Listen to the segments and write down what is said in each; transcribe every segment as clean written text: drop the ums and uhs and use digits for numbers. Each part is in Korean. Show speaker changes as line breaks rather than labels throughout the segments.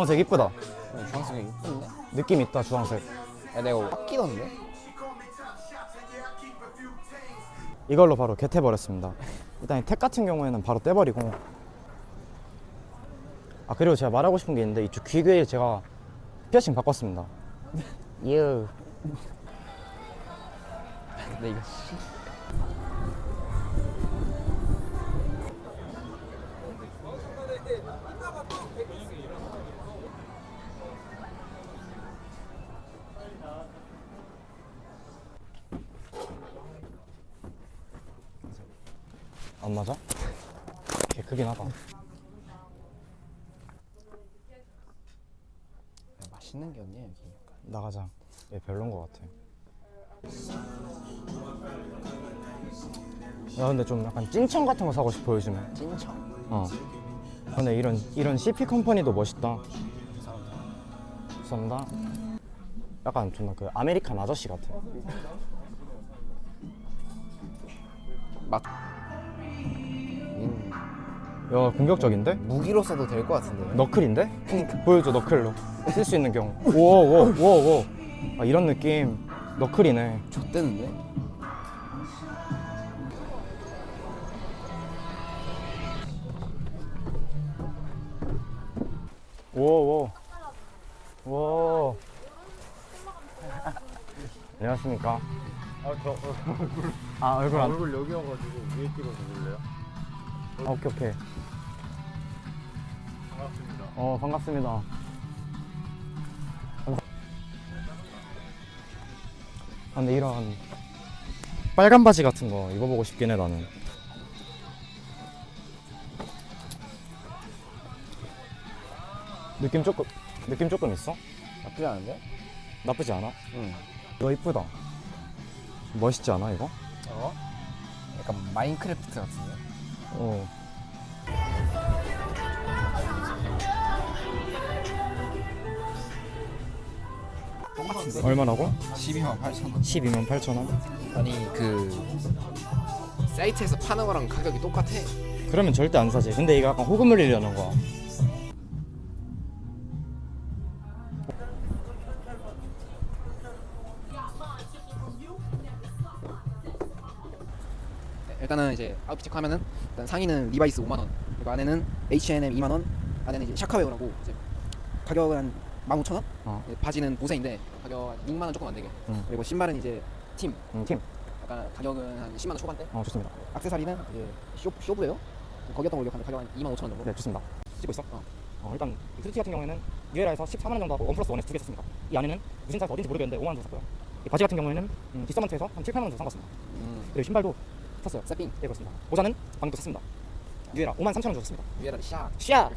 주황색 이쁘다.
주황색이 이쁜데?
느낌 있다 주황색.
야 내가 깎이던데?
이걸로 바로 겟해버렸습니다. 일단 이 택 같은 경우에는 바로 떼버리고. 아 그리고 제가 말하고 싶은 게 있는데 이쪽 귀에 제가 피어싱 바꿨습니다. 유.
근데 이거 씨.
안 맞아? 개 크긴 하다.
맛있는 게 없냐 여기.
나가자. 얘 별론 것 같아. 야 근데 좀 약간 찐청 같은 거 사고 싶어 요즘에.
찐청.
어. 근데 이런 CP 컴퍼니도 멋있다. 감사합니다. 약간 존나 그 아메리칸 아저씨 같아.
맛.
야 공격적인데?
무기로 써도 될 것 같은데.
너클인데? 보여줘 너클로 쓸 수 있는 경우. 오오오오. 아 이런 느낌. 너클이네.
좆대는데?
오오. 오. 안녕하십니까? 아 얼굴 안.
얼굴 여기 와가지고 위에 찍어서 볼래요?
아, 오케이.
반갑습니다.
반갑습니다. 아, 근데 이런 빨간 바지 같은 거 입어보고 싶긴 해 나는. 느낌 조금 있어?
나쁘지 않은데?
나쁘지 않아?
응.
이거 이쁘다. 멋있지 않아 이거?
어? 약간 마인크래프트 같은데?
어.
똑같은데?
얼마라고?
128,000원.
128,000원?
아니 그 사이트에서 파는 거랑 가격이 똑같아.
그러면 절대 안 사지. 근데 이거 약간 호금 흘리려는 거야.
일단은 이제 아웃핏 체크하면은 일단 상의는 리바이스 5만 원, 그리고 안에는 H&M 2만 원, 안에는 이제 샤카웨어라고 이제 가격은 한 15,000원. 바지는 보세인데 가격 6만 원 조금 안 되게. 그리고 신발은 이제 팀.
팀.
약간 가격은 한 10만 원 초반대.
좋습니다.
액세서리는 이제 쇼브예요. 거기였던 걸로 가격 한 2만 5천 원 정도.
네, 좋습니다. 찍고 있어? 일단 이 후드티 같은 경우에는 뉴에라에서 14만 원 정도 하고 원 플러스 원에서 2개 샀습니다. 이 안에는 무신사에서 어딘지 모르겠는데 5만 원 정도 샀고요. 이 바지 같은 경우에는 디서먼트에서 한 7, 8만 원 정도 산 것 같습니다. 그리고 신발도 샀어요.
세핑.
네, 그렇습니다. 모자는 방금 샀습니다. 뉴에라 5만 3천 원 정도 샀습니다.
위에다 샥.
샤!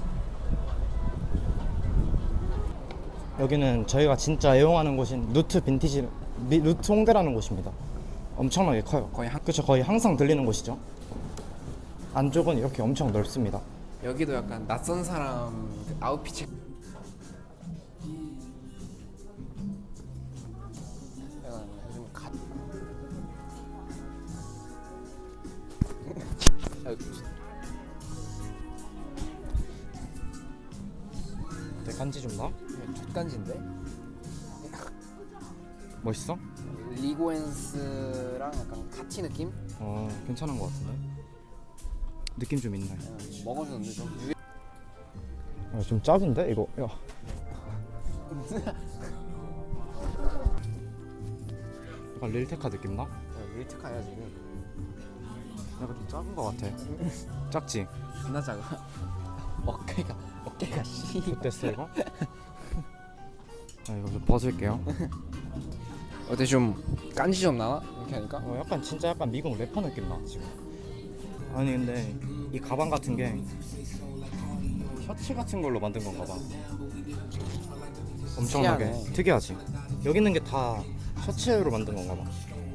여기는 저희가 진짜 애용하는 곳인 루트 홍대라는 곳입니다. 엄청나게 커요. 그쵸, 거의 항상 들리는 곳이죠. 안쪽은 이렇게 엄청 넓습니다.
여기도 약간 낯선 사람 그 아웃핏 체크. 약간 요즘 갓.
내 간지 좀 나?
족간지인데?
멋있어?
리고엔스랑 약간 카티 느낌?
괜찮은 것 같은데? 느낌 좀 있네.
먹어주는데 좀 유해.
좀 작은데? 이거 야. 약간 릴테카 느낌 나?
릴트카야 지금.
약간 좀 작은 것 같아. 작지?
존나 작아. 어깨가 씨.
됐어 이거? 이거 좀 벗을게요.
어때 좀 깐지 좀 나나? 이렇게 하니까?
약간 진짜 약간 미국 래퍼 느낌 나 지금. 아니 근데 이 가방 같은 게 셔츠 같은 걸로 만든 건가 봐. 엄청나게
특이하네.
특이하지. 여기 있는 게 다 셔츠로 만든 건가 봐.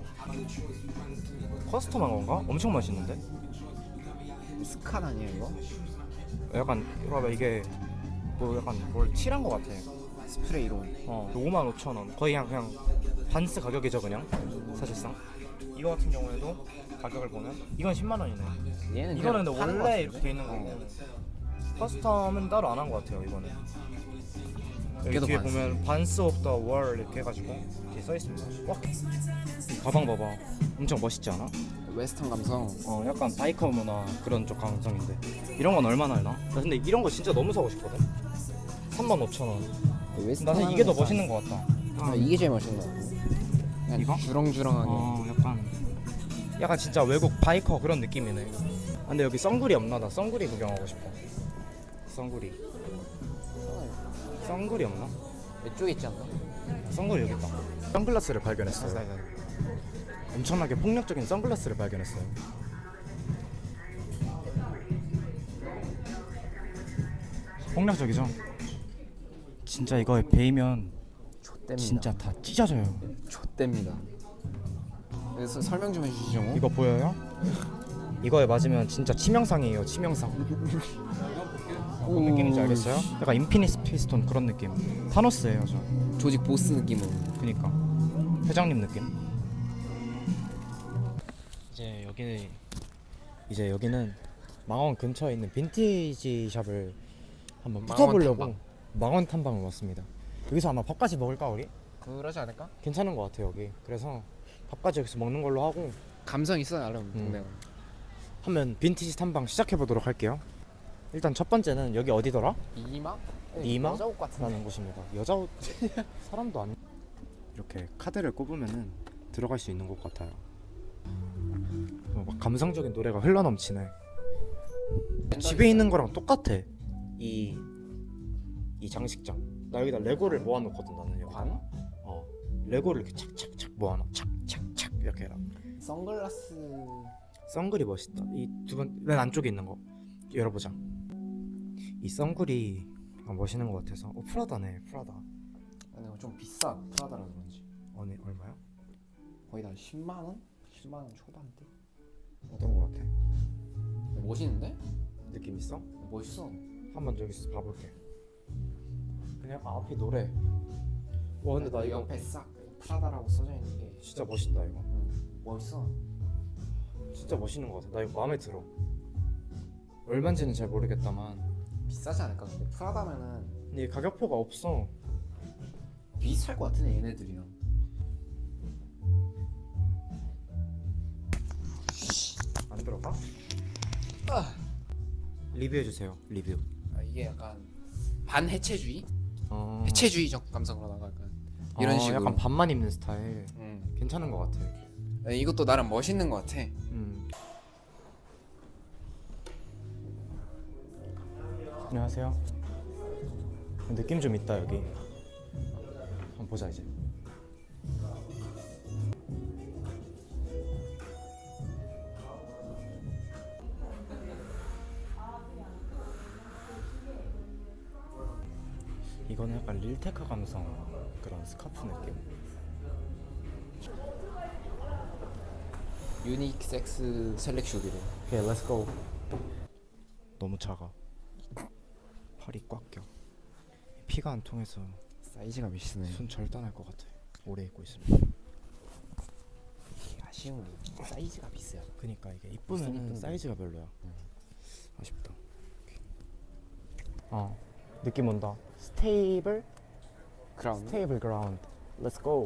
커스텀한 건가? 엄청 맛있는데?
스칸 아니에요 이거?
약간 이거 봐 이게 뭐 약간 뭘 칠한 거 같아.
스프레이로.
55,000원. 거의 그냥 반스 가격이죠 그냥 사실상. 이거 같은 경우에도 가격을 보면 이건 10만 원이네.
얘는
이거는
그냥
근데
파는 거
원래
같은데?
이렇게 돼 있는 거고 커스텀은 따로 안 한 것 같아요 이번에. 여기
걔도
뒤에
반스.
보면 반스 오브 더 월 이렇게 해가지고 뒤에 써 있습니다. 와, 이 가방 봐봐. 엄청 멋있지 않아?
웨스턴 감성.
약간 바이커 문화 그런 쪽 감성인데 이런 건 얼마나 하나? 나 근데 이런 거 진짜 너무 사고 싶거든. 35,000원.
웨스턴
나는 이게 더
하면
멋있는 것 같다.
이게 제일 멋있는 거 같아.
이거?
주렁주렁하게.
약간 진짜 외국 바이커 그런 느낌이네. 근데 여기 썬구리 없나? 나 썬구리 구경하고 싶어. 썬구리 없나?
이쪽에 있지 않나?
썬구리 여기 있다. 선글라스를 발견했어요. 엄청나게 폭력적인 선글라스를 발견했어요. 폭력적이죠? 진짜 이거에 베이면
좆됩니다.
진짜 다 찢어져요.
좆됩니다. 그래서 설명 좀 해주시죠. 뭐?
이거 보여요? 이거에 맞으면 진짜 치명상이에요. 치명상. 어떤 느낌인지 알겠어요? 약간 인피니스 피스톤 그런 느낌. 타노스예요 저.
조직 보스 느낌으로.
그니까 회장님 느낌. 이제 여기는 망원 근처에 있는 빈티지 샵을 한번 붙어보려고 망원 탐방을 왔습니다. 여기서 아마 밥까지 먹을까 우리?
그러지 않을까?
괜찮은 것 같아 여기. 그래서 밥까지 여기서 먹는 걸로 하고
감성 있어 나름 동네가.
하면 빈티지 탐방 시작해 보도록 할게요. 일단 첫 번째는 여기 어디더라?
이마?
이마?
여자 옷 같은.
라는 곳입니다. 여자 옷 사람도 안 이렇게 카드를 꼽으면은 들어갈 수 있는 곳 같아요. 막 감성적인 노래가 흘러넘치네. 집에 있는 거랑 똑같아. 이 장식장. 나 여기다 레고를 모아놓거든 나는 여기.
관?
레고를 이렇게 착착착 모아놔. 착착착 이렇게 해라.
선글라스.
선글이 멋있다. 이 두 번 맨 안쪽에 있는 거 열어보자. 이 선글이 멋있는 것 같아서. 프라다네. 프라다.
아니 좀 비싸. 프라다라 그런지.
아니 얼마야?
거의 다 10만 원? 10만 원 초반대.
어떤 거 같아?
멋있는데?
느낌 있어?
멋있어.
한번 여기서 봐볼게. 그냥 앞에 노래. 와 근데 나 이거
옆에 싹 프라다라고 써져 있는 게
진짜 멋있다 이거.
멋있어.
진짜 멋있는 것 같아. 나 이거 마음에 들어. 얼마인지는 잘 모르겠다만
비싸지 않을까? 근데 프라다면은
근데 가격표가 없어.
비쌀 것 같은데 얘네들이랑.
안 들어가?
아.
리뷰해주세요. 리뷰.
이게 약간 반해체주의? 해체주의적 감성으로 나가 약간 이런 식으로.
약간 반만 입는 스타일.
음.
괜찮은 것 같아.
이것도 나름 멋있는 것 같아.
안녕하세요. 느낌 좀 있다 여기. 한번 보자 이제. 이거는 약간 릴테크 감성 그런 스카프 느낌.
유닉 섹스 셀렉션이래.
오케이, 렛츠 고. 너무 작아. 팔이 꽉 껴. 피가 안 통해서
사이즈가 미치네.
손 절단할 것 같아. 오래 입고 있으면.
아쉬운 게 사이즈가 비싸요.
그니까 이게 이쁘면 사이즈가 별로야. 아쉽다. 느낌 온다. 스테이블 그라운드. 렛츠 고.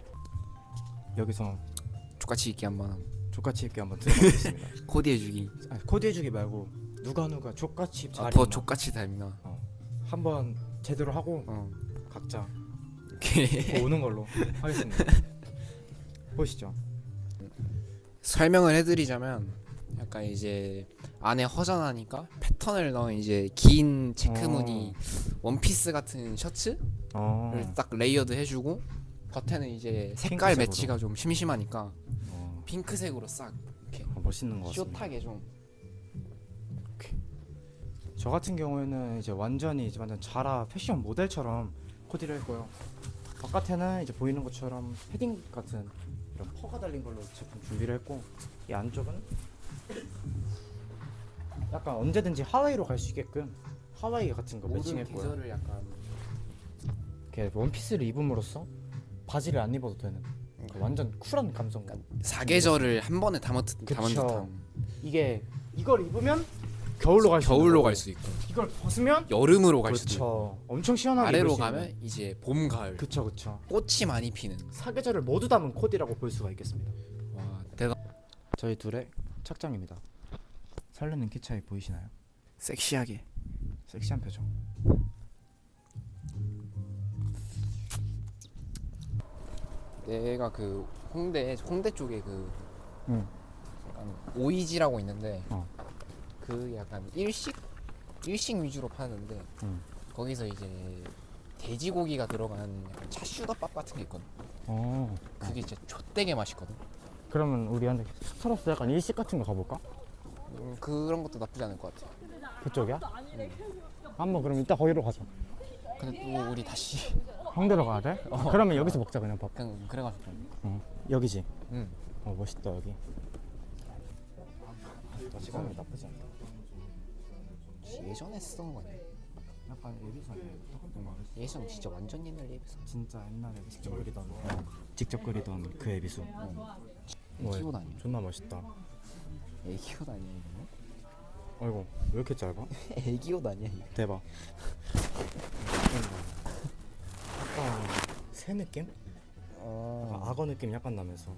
여기서
족같이 입기 한번.
족같이 입기 한번 들어보겠습니다.
코디해주기.
코드 해주기 말고 누가 족같이 잘
더
입나
족같이 다 입나.
한번 제대로 하고 각자
오케이.
오는 걸로 하겠습니다. 보시죠.
설명을 해드리자면 약간 이제 안에 허전하니까 패턴을 넣은 이제 긴 체크무늬 원피스 같은 셔츠를 딱 레이어드 해주고 겉에는 이제 색깔
핑크색으로.
매치가 좀 심심하니까 핑크색으로 싹 이렇게
멋있는 것 같습니다.
숏하게 좀.
저 같은 경우에는 이제 완전 자라 패션 모델처럼 코디를 했고요. 바깥에는 이제 보이는 것처럼 패딩 같은 이런 퍼가 달린 걸로 제품 준비를 했고, 이 안쪽은 약간 언제든지 하와이로 갈 수 있게끔 하와이 같은 거
모든
매칭했고요.
계절을 약간
이렇게 원피스를 입음으로써 바지를 안 입어도 되는 완전 쿨한 감성감.
사계절을 한 번에 담은
그쵸.
듯한.
이게 이걸 입으면
겨울로 갈 수
겨울로 갈 수 있고
이걸 벗으면
여름으로 갈 수도 있고
그렇죠. 엄청 시원하게
아래로
입을 수
가면
있는.
이제 봄 가을
그쵸 그쵸.
꽃이 많이 피는
사계절을 모두 담은 코디라고 볼 수가 있겠습니다.
와 대단
저희 둘의 착장입니다. 설레는 키 차이 보이시나요?
섹시하게.
섹시한 표정.
내가 그 홍대 쪽에 그
응.
약간 오이지라고 있는데
어.
그 약간 일식 위주로 파는데
응.
거기서 이제 돼지고기가 들어간 약간 차슈더밥 같은 게 있거든. 그게 진짜 좆되게 맛있거든.
그러면 우리한테 스타러스 약간 일식 같은 거 가볼까?
그런 것도 나쁘지 않을 것 같아.
그쪽이야? 한번 그럼 이따 거기로 가자.
근데 또 우리 다시
홍대로 가야 돼? 그러면 여기서 먹자 그냥 밥.
그냥 그래가지고
여기지?
응.
멋있다 여기. 시간이 나쁘지 않다.
예전에 쓰던 거네.
약간 예비선이야.
예전 진짜 완전 옛날 예비선.
진짜 옛날에 직접 그리던 그 예비수.
애기옷 아니야?
존나 멋있다.
애기옷 아니야 이거?
아이고 왜 이렇게 짧아?
애기옷 아니야 이거?
대박. 약간 새 느낌? 약간 악어 느낌 약간 나면서.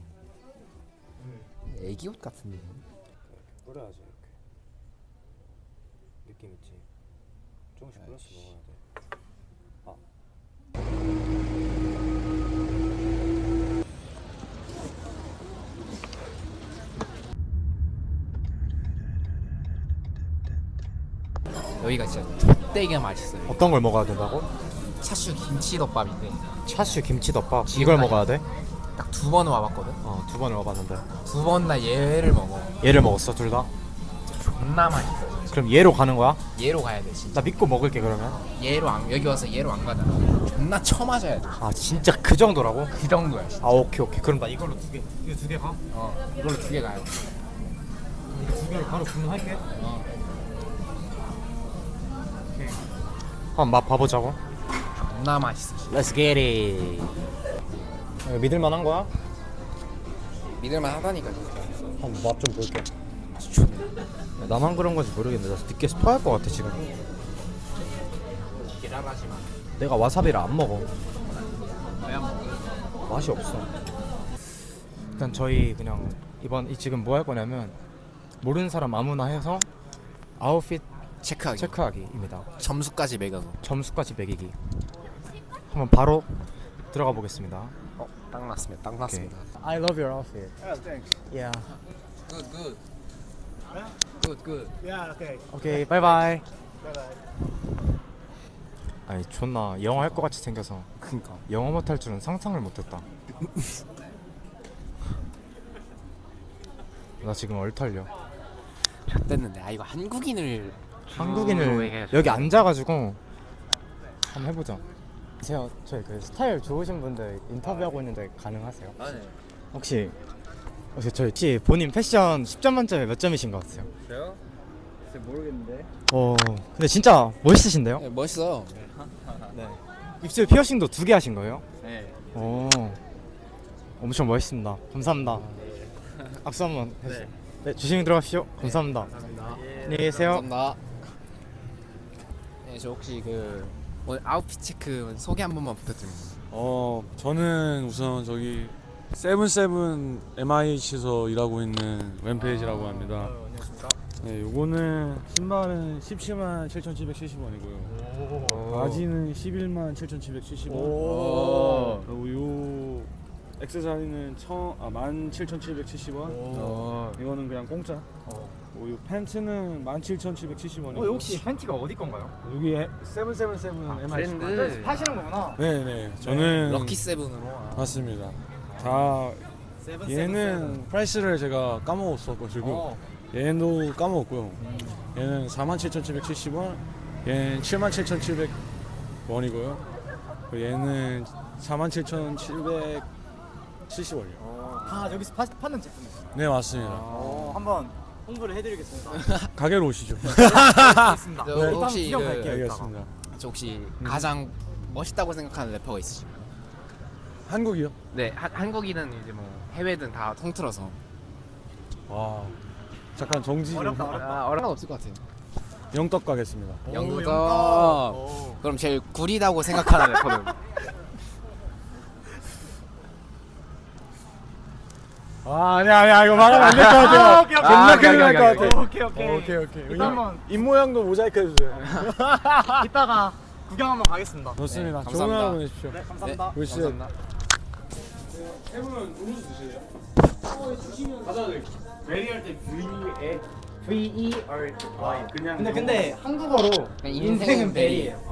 애기옷 같은데.
뿌려야지 이렇게. 느낌 있지. 조금씩 뿌려서 먹어야 돼.
여기가 진짜 되게 맛있어요.
어떤 걸 먹어야 된다고?
차슈 김치덮밥인데
차슈 김치덮밥.
지금
이걸
아니-
먹어야 돼?
딱 두 번 와봤거든.
2번을 와봤는데.
두 번 다 얘를 먹어.
얘를 먹었어 둘 다?
존나 맛있어.
그럼 얘로 가는 거야?
얘로 가야 돼 진짜.
나 믿고 먹을게 그러면.
얘로 안 여기 와서 얘로 안 가잖아. 존나 쳐맞아야 돼.
아 진짜 그 정도라고?
그 정도야. 진짜.
아 오케이. 그럼 나 이걸로 두 개. 이거 두 개 가?
이걸로 두 개 가요.
두 개를 바로 주문할게.
어.
한번 맛 봐보자고.
존나 맛있어. 진짜.
Let's get it. 믿을만한 거야?
믿을만 하다니까 진짜.
한번 맛 좀 볼게.
맛이 좋네.
나만 그런 건지 모르겠는데 나 늦게 스포할 것 같아 지금.
기다라지 마.
내가 와사비를 안 먹어.
왜 안 먹어?
맛이 없어. 일단 저희 그냥 이번 지금 뭐 할 거냐면 모르는 사람 아무나 해서 아웃핏
체크하기.
체크하기입니다.
점수까지 매겨.
점수까지 매기기. 한번 바로 들어가 보겠습니다.
딱 났습니다. 딱 났습니다.
I love your outfit.
Yeah, thanks.
Yeah.
Good, good. Good, good.
Yeah, okay.
오케이, 바이바이.
Bye bye.
아니 존나 영어 할 것 같이 생겨서
그니까.
영어 못할 줄은 상상을 못했다. 나 지금 얼털려.
됐는데 이거 한국인을
한국인을 여기 앉아가지고 한번 해보자. 제가 저희 그 스타일 좋으신 분들 인터뷰하고 있는데 가능하세요?
네.
혹시 저희 본인 패션 10점 만점에 몇 점이신 것 같아요?
저요? 글쎄 모르겠는데.
근데 진짜 멋있으신데요?
네, 멋있어.
네. 입술 피어싱도 2개 하신 거예요?
네.
엄청 멋있습니다. 감사합니다. 악수 한번 해주세요. 네, 조심히 들어가십시오. 감사합니다. 안녕히 계세요.
감사합니다. 네, 저 혹시 그 오늘 아웃핏 체크 소개 한 번만 부탁드립니다.
저는 우선 저기 세븐세븐 MIH에서 일하고 있는 웬페이지라고 합니다. 네, 요거는 신발은 17만 7,770원이고요. 바지는 11만 7,770원. 그리고 요 액세서리는 17,770원. 이거는 그냥 공짜. 요 팬츠는 17,770원이고.
혹시 팬티가 어디 건가요?
여기 세븐세븐세븐 MIH.
파시는 거구나.
네네. 저는
럭키 세븐으로.
맞습니다. 다 얘는 프라이스를 제가 까먹었어가지고 얘도 까먹었고요. 얘는 47,770원, 얘는 77,700원이고요. 얘는 47,770원이요.
다 여기서 파는 제품이에요.
네 맞습니다.
한번 홍보를 해드리겠습니다.
가게로 오시죠.
알겠습니다.
저
일단
혹시
구경
그-
갈게요. 이따가.
알겠습니다.
저 혹시 가장 멋있다고 생각하는 래퍼가 있으신가요?
한국이요?
네, 한국이든 이제 뭐 해외든 다 통틀어서.
와 잠깐 정지 좀.
어려운 건 없을 것 같아요.
영떡 가겠습니다.
영덕. 그럼 제일 구리다고 생각하는 래퍼는?
아니야 이거 말하면 안 될 것 같아요. 존나 큰일 날 것 같아.
오케이.
오케이. 입 모양도 모자이크 해주세요.
이따가 구경 한번 가겠습니다.
좋습니다.
네,
좋은 하루
감사합니다.
보내십시오.
네, 감사합니다.
글씨.
감사합니다.
근데 한국어로
인생은 베리예요.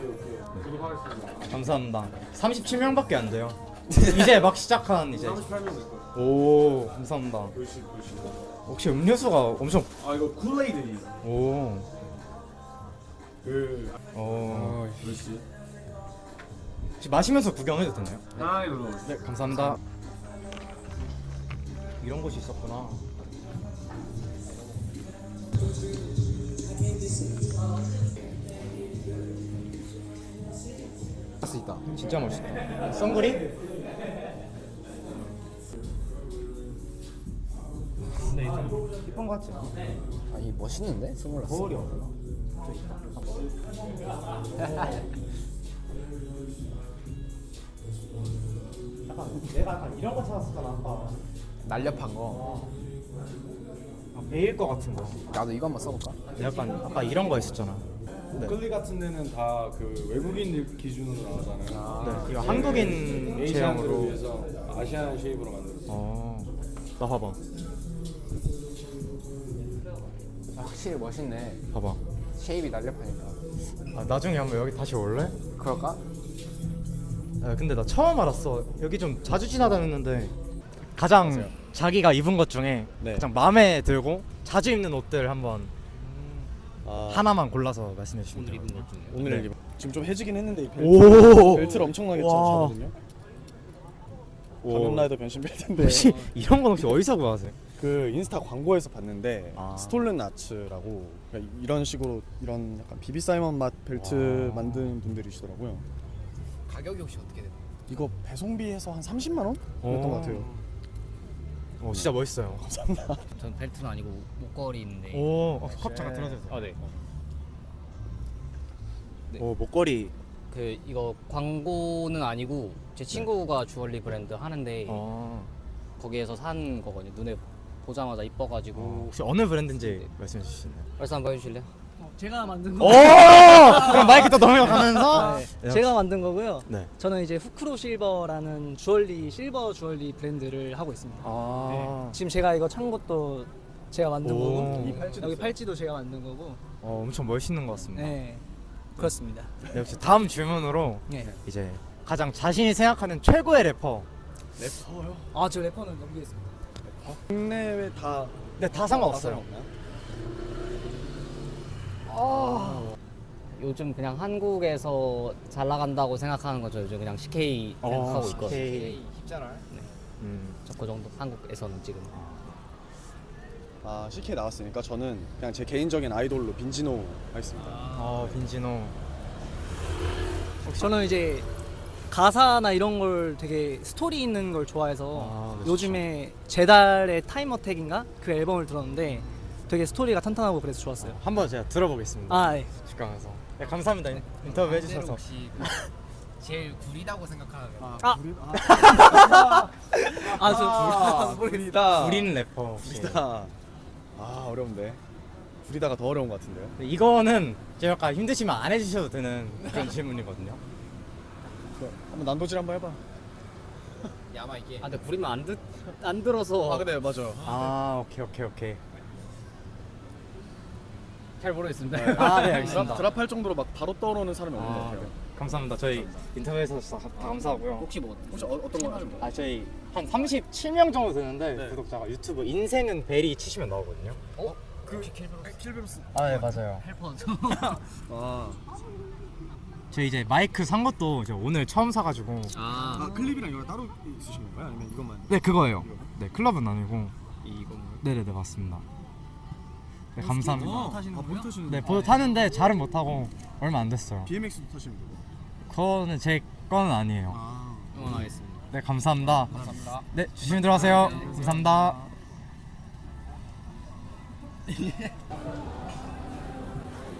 감사합니다. 37명밖에 안 돼요. 이제 막 시작한 이제. 오, 감사합니다. 혹시 음료수가 엄청
아 이거 쿨레이드.
오.
그
혹시 마시면서 구경해도 되나요?
아 이거.
네, 감사합니다. 이런 곳이 있었구나.
할 수 있다.
진짜 멋있다. 선글이? 근데 좀 이쁜 거 같지?
아니 멋있는데? 선글라스.
거울이 없나? 내가 약간 이런 거 찾았었잖아 아까.
날렵한 거.
베일 거 같은 거.
나도 이거 한번 써볼까?
약간 아까 이런 거 있었잖아.
목걸이 같은 데는 다 그 외국인들 기준으로 나오잖아요.
네, 이거 한국인
에이시안들을
제형으로.
위해서 아시안 쉐입으로 만들었어요.
나 봐봐.
확실히 멋있네.
봐봐.
쉐입이 날렵하니까.
아, 나중에 한번 여기 다시 올래?
그럴까?
아, 근데 나 처음 알았어. 여기 좀 자주 지나다녔는데 가장 자기가 입은 것 중에
네.
가장 마음에 들고 자주 입는 옷들 한번
아,
하나만 골라서 말씀해 주시면 돼요.
오늘
네.
지금 좀 해지긴 했는데 이
오!
벨트를 엄청나게
와.
차거든요. 가면라이더 변신 벨트인데
혹시 이런 건 혹시 어디서 구하세요?
그 인스타 광고에서 봤는데
아.
스톨른 아츠라고 그러니까 이런 식으로 이런 약간 비비 사이먼 맛 벨트
와.
만드는 분들이시더라고요.
가격이 혹시 어떻게 되나요?
이거 배송비해서 한 30만 원? 그랬던 것 같아요.
진짜 멋있어요.
전 벨트는 아니고 목걸이인데.
컵 잠깐 들어주세요.
아 네.
오, 목걸이.
그 이거 광고는 아니고 제 친구가 주얼리 브랜드 하는데 거기에서 산 거거든요. 눈에 보자마자 이뻐가지고.
혹시 어느 브랜드인지 말씀해 주시나요?
벌써 한번 보여주실래요?
제가 만든
오!
거.
그럼 마이크 또 넘어가면서
네, 제가 만든 거고요.
네.
저는 이제 후크로 실버라는 주얼리 실버 주얼리 브랜드를 하고 있습니다. 지금 제가 이거 찬 것도 제가 만든
오.
거고
이
여기 팔찌도 제가 만든 거고.
엄청 멋있는 것 같습니다.
네, 그렇습니다.
네, 역시 다음 질문으로
네.
이제 가장 자신이 생각하는 최고의 래퍼.
래퍼요?
아, 저 래퍼는 넘기겠습니다.
국내외 다
네, 다 상관없어요.
상관없나요?
요즘 그냥 한국에서 잘 나간다고 생각하는 거죠. 요즘 그냥 CK 생각하고 있거든요.
CK.
쉽잖아.
저 그 정도 한국에서는 지금.
아 CK 나왔으니까 저는 그냥 제 개인적인 아이돌로 빈지노 하겠습니다.
빈지노.
저는 이제 가사나 이런 걸 되게 스토리 있는 걸 좋아해서
네,
요즘에 제달의 타임 어택인가 그 앨범을 들었는데 되게 스토리가 탄탄하고 그래서 좋았어요.
한번 제가 들어보겠습니다.
아, 네.
집 가면서. 네, 감사합니다. 인터뷰 해주셔서.
혹시 제일 구리다고 생각하는
저
부리다.
우린 래퍼. 혹시.
부리다. 아 어려운데. 부리다가 더 어려운 것 같은데요.
네, 이거는 제가 아까 힘드시면 안 해주셔도 되는 그런 질문이거든요.
한번 난도질 한번 해봐.
야마 이게.
아 근데 부리면 안 들어서.
근데 맞아.
오케이.
잘 모르겠습니다.
네, 알겠습니다.
드랍할 정도로 막 바로 떠오르는 사람이 없는 것 같아요.
감사합니다. 저희 인터뷰에서 감사하고요.
혹시 뭐
혹시 어떤 거?
저희 한 37명 정도 되는데
네.
구독자가 유튜브 인생은 베리 치시면 나오거든요.
킬베로스.
네, 맞아요.
헬퍼.
아
저 이제 마이크 산 것도 이제 오늘 처음 사가지고.
클립이랑 이거 따로 있으신 건가요? 아니면 이것만?
네, 그거예요. 네, 클럽은 아니고.
이건가요?
네네네, 맞습니다. 네, 감사합니다.
타시는 거예요? 타시는
네, 보드 타는데 잘은 못 타고 얼마 안 됐어요.
BMX도 타시는 거고.
그거는 제 거는 아니에요.
응원하겠습니다.
네, 감사합니다.
감사합니다.
네, 조심히 들어가세요. 감사합니다.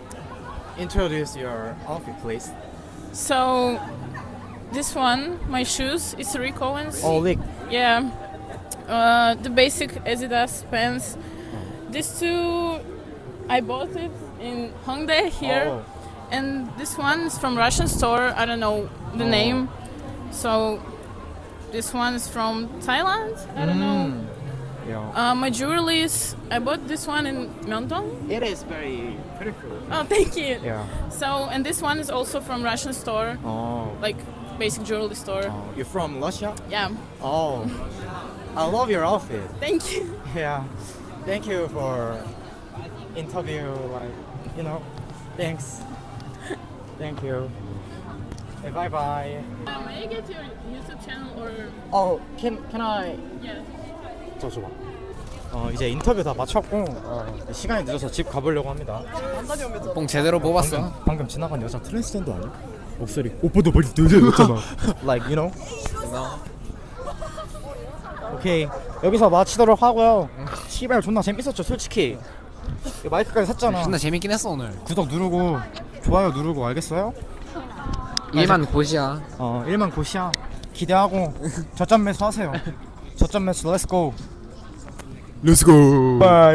introduce your outfit, please?
So this one, my shoes, it's Rick Owens.
Oh, look.
Yeah. The basic Adidas pants. These two, I bought it in Hongdae here,
Oh.
and this one is from Russian store. I don't know the name. So this one is from Thailand. I don't know.
Yeah.
My jewelry is, I bought this one in Myeongdong.
It is very beautiful.
Oh, thank you.
Yeah.
So, and this one is also from Russian store,
Oh.
like basic jewelry store.
You're from Russia?
Yeah.
Oh. I love your outfit.
Thank you.
Yeah. Thank you for interview. Like, you know. Thanks. Thank you. Bye bye.
May I get your YouTube channel or?
Oh, can I?
Yeah.
저 줘봐. 이제 인터뷰 다 마쳤고 시간이 늦어서 집 가보려고 합니다.
뽕 제대로 뽑았어.
방금 지나간 여자 트랜스젠더 아니야? 목소리 오빠도 머리 여자였잖아. Like you know? 오케이 여기서 마치도록 하고요. 시발 존나 재밌었죠 솔직히. 이거 마이크까지 샀잖아.
존나 재밌긴 했어 오늘.
구독 누르고 좋아요 누르고 알겠어요?
일만 고시야.
1만 고시야. 기대하고 저점 매수 하세요. 저점 매수 렛츠고. 렛츠고. 바이.